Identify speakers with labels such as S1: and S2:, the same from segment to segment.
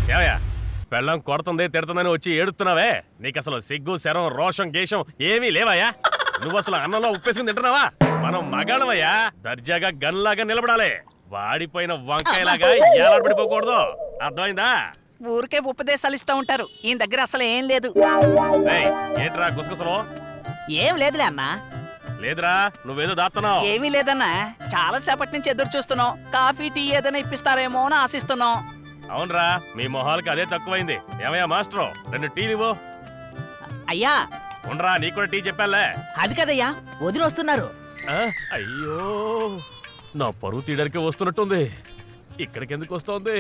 S1: ఏమయ్యా పెళ్ళం కొడుతుంది తిడుతుందని వచ్చి ఏడుతున్నావే? నీకు అసలు సిగ్గు శరం రోషం గేషం ఏమీ లేవయ్యా? నువ్వు అసలు అన్నంలో ఉప్పేసుకుని తింటున్నావా? మనం మగాళ్ళమయ్యా, దర్జాగా గన్లాగా నిలబడాలి. వాడిపోయిన వంకాయలాగా ఏలాడబడిపోకూడదు, అర్థమైందా?
S2: ఊరికే ఉపదేశాలు ఇస్తా ఉంటారు, ఈయన దగ్గర అసలు ఏం లేదు.
S1: ఏంట్రా గుసగుసలో?
S2: ఏం లేదులే అన్నా.
S1: లేదురా, నువ్వేదో దాస్తున్నావు.
S2: ఏమీ లేదన్నా, చాలా సేపటి నుంచి ఎదురు చూస్తున్నాం. కాఫీ టీ ఏదైనా ఇప్పిస్తారేమో అని ఆశిస్తున్నాం.
S1: అవునరా, మీ మొహాలకి అదే తక్కువైంది. ఏమయ్యా మాస్టరు, 2 టీలు ఇవ్వు.
S2: అయ్యా
S1: ఉండరా, నీకు కూడా టీ చెప్పాలే.
S2: అది కదయ్యా, వదిలి వస్తున్నారు.
S1: అయ్యో, నా పరువు తీయడానికి వస్తున్నట్టుంది. ఇక్కడికి ఎందుకు వస్తోంది?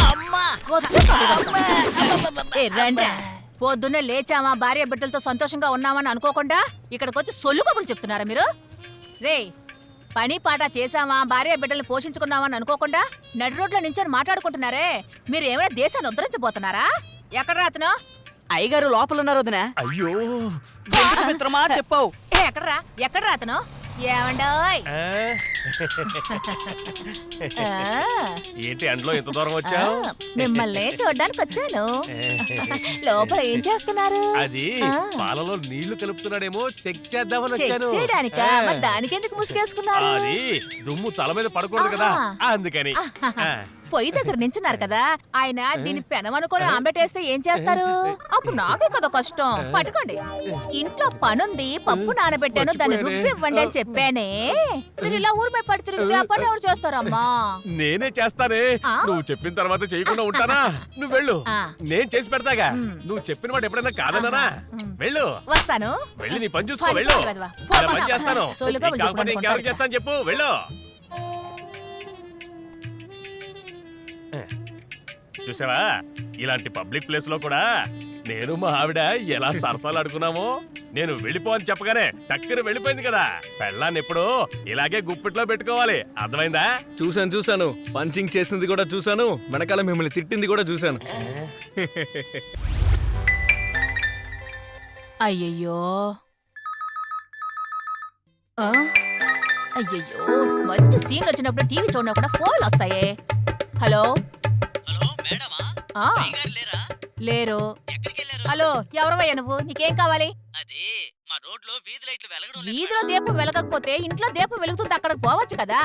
S3: పొద్దున్నే లేచామా, భార్య బిడ్డలతో సంతోషంగా ఉన్నామని అనుకోకుండా ఇక్కడికి వచ్చి సొల్లు కబుర్లు చెప్తున్నారా మీరు? రే, పని పాట చేసామా, భార్య బిడ్డల్ని పోషించుకున్నామని అనుకోకుండా నడి రోడ్లో నించొని మాట్లాడుకుంటున్నారే, మీరు ఏమైనా దేశాన్ని ఉద్ధరించబోతున్నారా? ఎక్కడ రాతను?
S2: అయ్యగారు లోపల ఉన్నారు వదినా.
S1: అయ్యో
S2: మిత్రమా చెప్పావు.
S3: ఎక్కడ రాతను? ఏమండోయ్?
S1: ఏంటి అండ్లో ఇంత దూరం వచ్చావు?
S3: మిమ్మల్ని చూడ్డానికి వచ్చాను. లోపల ఏం చేస్తున్నారు?
S1: అది పాలలో నీళ్లు కలుపుతున్నాడేమో చెక్ చేద్దామని వచ్చాను.
S3: చేయడానికా? మరి దానికెందుకు ముసుగేసుకున్నారు?
S1: అది దుమ్ము తల మీద పడకూడదు కదా, అందుకని.
S3: పొయ్యి దగ్గర నించున్నారు కదా, ఆయన దీన్ని పెనమనుకొని ఆంబెట్టేస్తే ఏం చేస్తారు? అప్పుడు నాకే కదా కష్టం. పట్టుకోండి. ఇంట్లో పనుంది, పప్పు నానబెట్టాను, దాన్ని రుబ్బి ఇవ్వండి అని చెప్పానే. మీరు ఇలా ఊరిపై పడి తిరిగితే ఆ పని ఎవరు చేస్తారమ్మా?
S1: నేనే చేస్తానే. నువ్వు చెప్పిన తర్వాత చేయకుండా ఉంటానా? నువ్వు వెళ్ళు, నేను చేసి పెడతాగా. నువ్వు చెప్పిన వాడు ఎప్పుడైనా కాదన్నానా? వెళ్ళు.
S3: వస్తాను.
S1: వెళ్ళి నీ పని చూసుకో, వెళ్ళు. పని చేస్తాను, కాకపోతే ఇంకెవరు చేస్తాను చెప్పు, వెళ్ళు. చూసావా, ఇలాంటి పబ్లిక్ ప్లేస్ లో కూడా నేను మా ఆవిడ ఎలా సరసాలు ఆడుకున్నామో. నేను వెళ్ళిపో అని చెప్పగానే టక్కన వెళ్ళిపోయింది కదా. పెళ్ళాన్ని ఎప్పుడు ఇలాగే గుప్పిట్లో పెట్టుకోవాలి, అర్థమైందా?
S4: చూశాను, పంచింగ్ చేసింది కూడా చూశాను, వెనకాల మిమ్మల్ని తిట్టింది కూడా చూశాను.
S3: అయ్యయ్యో, అయ్యయ్యో, మంచి సీన్లు వచ్చినప్పుడు టీవీ చూడడం కూడా ఫోన్లు వస్తాయే. హలో లేరు. హలో, ఎవరవయ్యా నువ్వు? నీకేం కావాలి? వీధిలో దీపం వెలగకపోతే ఇంట్లో దీపం వెలుగుతుంది, అక్కడికి పోవచ్చు కదా.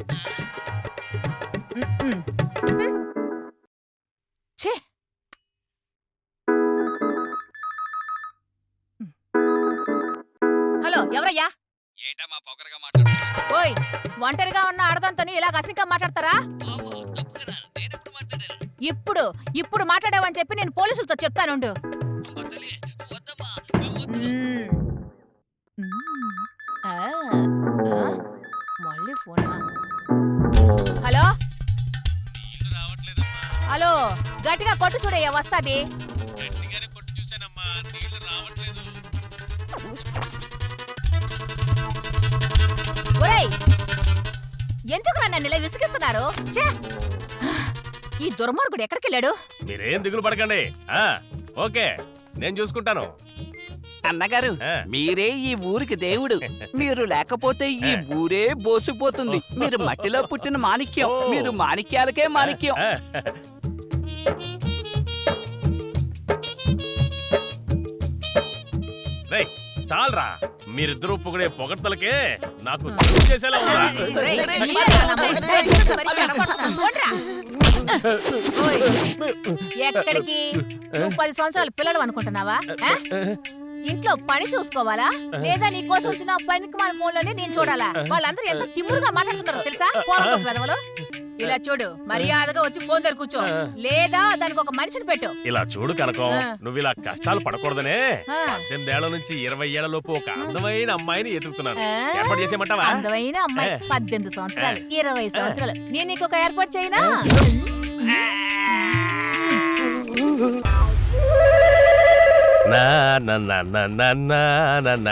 S3: ఛే, హలో, ఎవరయ్యా? ఓయ్, ఒంటరిగా ఉన్న ఆడదంతో ఇలా అసింకా మాట్లాడతారా? ఇప్పుడు మాట్లాడావని చెప్పి నేను పోలీసులతో చెప్తానుండు. మళ్ళీ ఫోనా? హలో హలో, గట్టిగా కొట్టు చూడయ్యా, వస్తాది. ఒరేయ్, ఎందుకు నన్ను ఇలా విసిగిస్తున్నారు? ఈ దుర్మార్గుడు ఎక్కడికి వెళ్ళాడు?
S1: మీరేం దిగులు పడకండి. ఓకే, నేను చూసుకుంటాను.
S2: అన్నగారు, మీరే ఈ ఊరికి దేవుడు. మీరు లేకపోతే ఈ ఊరే బోసిపోతుంది. మీరు మట్టిలో పుట్టిన మాణిక్యం, మీరు మాణిక్యాలకే మాణిక్యం.
S1: చాలరా, మీరిద్దరూ పొగిడే పొగడ్తలకే నాకు చేసేలా ఉందా?
S3: ఎక్కడికి? 10 సంవత్సరాల పిల్లలు అనుకుంటున్నావా? ఇంట్లో పని చూసుకోవాలా, లేదా నీ కోసం వచ్చిన పనికి మన ఫోన్ లోనే నేను చూడాలా? వాళ్ళందరూ ఎంత తిమ్మురుగా మాట్లాడుతున్నారో తెలుసా? ఇలా చూడు, మర్యాదగా వచ్చి ఫోన్ దగ్గర కూర్చో, లేదా దానికి ఒక మనిషిని పెట్టు.
S1: ఇలా చూడు కనకం, నువ్వు ఇలా కష్టాలు పడకూడదనే 18 ఏళ్ల నుంచి 20 ఏళ్ల లోపు ఒక అందమైన అమ్మాయిని ఎదుగుతున్నాను. ఏర్పాటు చేసేయమంటావా?
S3: అందమైన అమ్మాయి 18 సంవత్సరాలు 20 సంవత్సరాలు, నేను నీకు ఒక ఏర్పాటు చేయనా?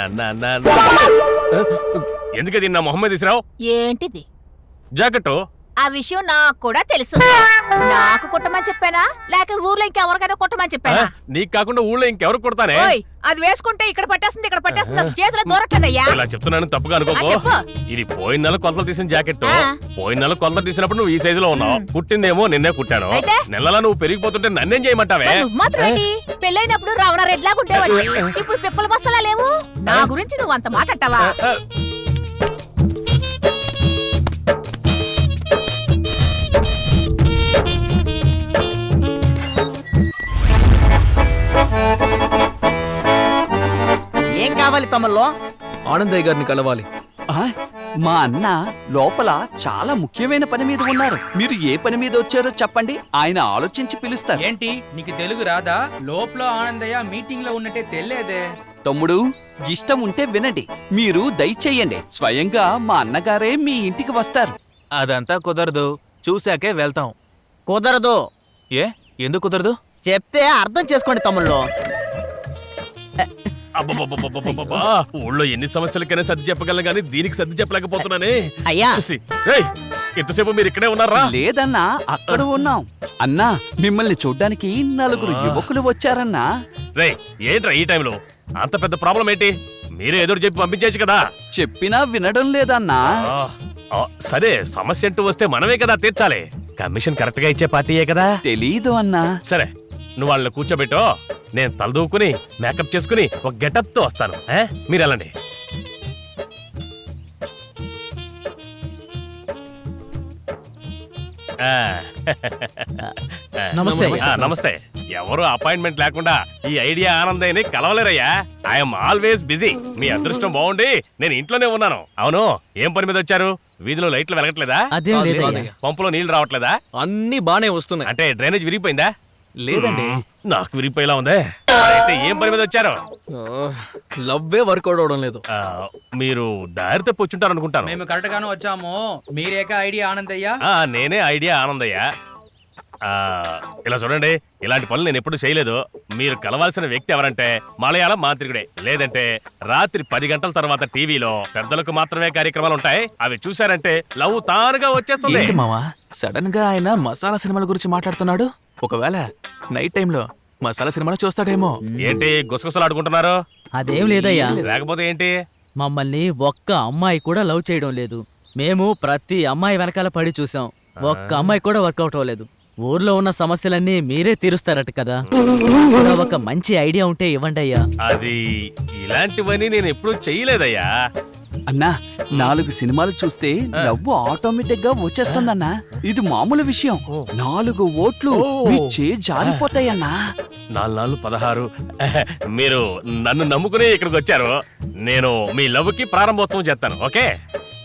S1: ఎందుకది నా మొహమ్మద్ ఇస్రావు?
S3: ఏంటిది?
S1: జాకెట్
S3: ఆ విషయం నాకు కూడా తెలుసు. నాకు కుట్టమని చెప్పానా లేక ఊర్లో ఇంకెవరికైనా కుట్టమని చెప్పానా?
S1: నీకు కాకుండా ఊళ్ళో ఇంకెవరు కొడతానే?
S3: ఓయ్, అది వేసుకుంటే ఇక్కడ పట్టేస్తుంది ఇక్కడ పట్టేస్తుంది అసలు చేతిలో దూరట్లేదయ్యా.
S1: ఇలా చెప్తున్నాను తప్పుగా అనుకోకో.
S3: చెప్పు.
S1: ఇది పోయిన నెల కొలతలు తీసిన జాకెట్.
S3: ఆ.
S1: పోయిన నెల కొలతలు తీసినప్పుడు నువ్వు ఈ సైజులో ఉన్నావు. పుట్టిందేమో నిన్నే కుట్టాను.
S3: అయితే?
S1: నెలలా నువ్వు పెరిగిపోతుంటే నన్నేం చేయమంటావే?
S3: నువ్వు మాత్రం ఏంటి? పెళ్ళైనప్పుడు రావణ రెడ్లాగా ఉండేవాడి, ఇప్పుడు పిప్పల బస్తలా లేవు. నా గురించి నువ్వు అంత మాట అంటావా?
S5: ఏం కావాలి తమల్లో?
S4: ఆనందయ్య గారిని కలవాలి.
S2: ఆ, మా అన్న లోపల చాలా ముఖ్యమైన పని మీద ఉన్నారు. మీరు ఏ పని మీద వచ్చారో చెప్పండి, ఆయన ఆలోచించి పిలుస్తారు.
S6: ఏంటి నీకు తెలుగు రాదా? లోపల ఆనందయ్య మీటింగ్ లో ఉన్నట్టే తెలియదే.
S2: తమ్ముడు, ఇష్టం ఉంటే వినండి. మీరు దయచేయండి, స్వయంగా మా అన్నగారే మీ ఇంటికి వస్తారు.
S7: అదంతా కుదరదు, చూశాకే వెళ్తాం.
S5: కుదరదు.
S7: ఏ ఎందుకు కుదరదు?
S5: చెప్తే అర్థం చేసుకోండి తమ్ముళ్ళు.
S1: అబ్బబ్బబ్బబ్బబ్బబ్బబ్బా! ఊళ్ళో ఎన్ని సమస్యలకైనా సర్ది చెప్పగలను గానీ దీనికి సర్ది చెప్పలేకపోతున్నానే.
S5: అయ్యా
S1: చూసి, రేయ్, ఎంతసేపు మీరు ఇక్కడే ఉన్నారా?
S2: లేదన్నా, అక్కడ ఉన్నాం. అన్నా, మిమ్మల్ని చూడ్డానికి నలుగురు యువకులు వచ్చారన్నా.
S1: రేయ్, ఏంట్రా ఈ టైంలో? అంత పెద్ద ప్రాబ్లం ఏంటి? మీరే ఎదురు చెప్పి పంపించేయచ్చు కదా.
S2: చెప్పినా వినడం లేదన్నా.
S1: ఆ, ఆ, సరే, సమస్య అంటూ వస్తే మనమే కదా తీర్చాలి. కమిషన్ కరెక్ట్ గా ఇచ్చే పార్టీయే కదా.
S2: తెలీదు అన్నా.
S1: సరే, నువ్వు వాళ్ళని కూర్చోబెట్టో, నేను తలదూకుని మేకప్ చేసుకుని ఒక గెటప్ తో వస్తాను. మీరు వెళ్ళండి. ఆ,
S5: నమస్తే.
S1: నమస్తే. ఎవరు అపాయింట్మెంట్ లేకుండా ఈ ఐడియా ఆనందయ్యని కలవలేరయ్యా. I'm always busy. మీ అదృష్టం బాగుండి నేను ఇంట్లోనే ఉన్నాను. అవును, ఏం పని మీద వచ్చారు? వీధిలో లైట్లు వెలగట్లేదా?
S5: అదేం లేదయ్యా.
S4: లేదయ్యా.
S1: పంపులో నీళ్లు రావట్లేదా?
S4: అన్ని బానే వస్తున్నాయి.
S1: అంటే డ్రైనేజ్ విరిగిపోయిందా?
S7: లేదండి.
S1: నాకు విరిగిపోయేలా ఉందే. అయితే ఏం పని మీద వచ్చారు?
S4: లవ్వే వర్కౌట్ అవడం లేదు.
S1: మీరు దారి తప్పి వచ్చుంటారు అనుకుంటాను.
S6: మేము కరెక్ట్ గానే వచ్చాము. మీరేక ఐడియా ఆనందయ్య.
S1: నేనే ఐడియా ఆనందయ్య. ఇలా చూడండి, ఇలాంటి పనులు నేను ఎప్పుడు చేయలేదు. మీరు కలవాల్సిన వ్యక్తి ఎవరంటే మలయాళం మాంత్రికుడే. లేదంటే రాత్రి 10 గంటల తర్వాత టీవీలో పెద్దలకు మాత్రమే కార్యక్రమాలు ఉంటాయి. అవి చూశారంటే లవ్ తానుగా వచ్చేస్తుంది.
S7: ఏంటి మావా సడన్ గా ఆయన మసాలా సినిమాల గురించి మాట్లాడుతున్నాడు? ఒకవేళ నైట్ టైంలో మసాలా సినిమాలు చూస్తాడేమో.
S1: ఏంటి గుసగుసలు ఆడుకుంటున్నారు?
S5: అదేం లేదయ్యా.
S1: లేకపోతే ఏంటి?
S5: మమ్మల్ని ఒక్క అమ్మాయి కూడా లవ్ చేయడం లేదు. మేము ప్రతి అమ్మాయి వెనకాల పడి చూసాం. ఒక్క అమ్మాయి కూడా వర్కౌట్ అవ్వలేదు. ఊర్లో ఉన్న సమస్యలన్నీ మీరే తీరుస్తారట కదా. కూడా ఒక మంచి ఐడియా ఉంటే ఇవ్వండి అయ్యా.
S1: అది ఇలాంటివన్నీ నేను ఎప్పుడు చెయ్యలేదయ్యా.
S2: అన్నా, 4 సినిమాలు చూస్తే నవ్వు ఆటోమేటిక్ గా వచ్చేస్తుందన్నా. ఇది మామూలు విషయం. 4 ఓట్లు మీ జారిపోతాయన్నా.
S1: 4 16. మీరు నన్ను నమ్ముకుని ఇక్కడికి వచ్చారు. నేను మీ లవ్ కి ప్రారంభోత్సవం చేస్తాను. ఓకే?